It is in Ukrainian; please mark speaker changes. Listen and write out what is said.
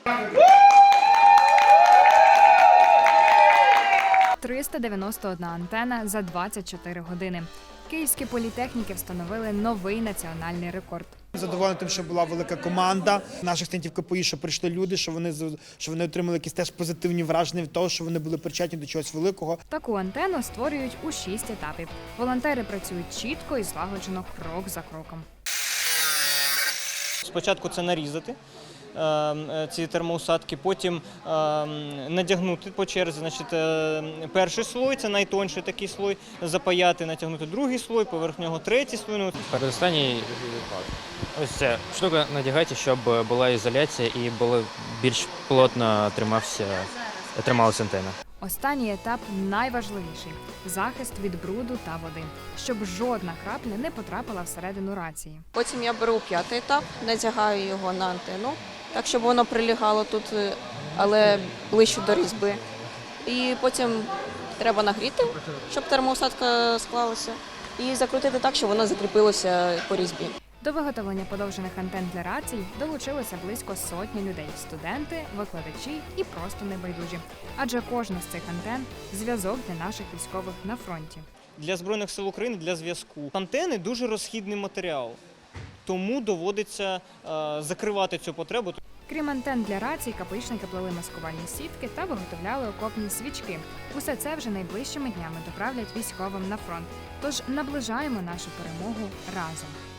Speaker 1: «391 антена за 24 години. Київські політехніки встановили новий національний рекорд.
Speaker 2: Задоволений тим, що була велика команда наших студентів КПІ, що прийшли люди, що вони отримали якісь теж позитивні враження від того, що вони були причетні до чогось великого.
Speaker 1: Таку антенну створюють у 6 етапів. Волонтери працюють чітко і злагоджено, крок за кроком.
Speaker 3: Спочатку це нарізати ці термоусадки, потім надягнути по черзі. Значить, перший слой, це найтонший такий слой, запаяти, натягнути другий слой, поверх нього третій слой.
Speaker 4: Передостанній ось ця штука надягайте, щоб була ізоляція і більш плотно трималася антенна.
Speaker 1: Останній етап найважливіший – захист від бруду та води, щоб жодна крапля не потрапила всередину рації.
Speaker 5: Потім я беру 5-й етап, надягаю його на антенну, так щоб воно прилягало тут, але ближче до різьби. І потім треба нагріти, щоб термоусадка склалася, і закрутити так, щоб воно закріпилося по різьбі.
Speaker 1: До виготовлення подовжених антен для рацій долучилося близько сотні людей – студенти, викладачі і просто небайдужі. Адже кожна з цих антен – зв'язок для наших військових на фронті.
Speaker 3: Для Збройних сил України, для зв'язку. Антени – дуже розхідний матеріал, тому доводиться закривати цю потребу.
Speaker 1: Крім антен для рацій, КПІшники плели маскувальні сітки та виготовляли окопні свічки. Усе це вже найближчими днями доправлять військовим на фронт. Тож наближаємо нашу перемогу разом.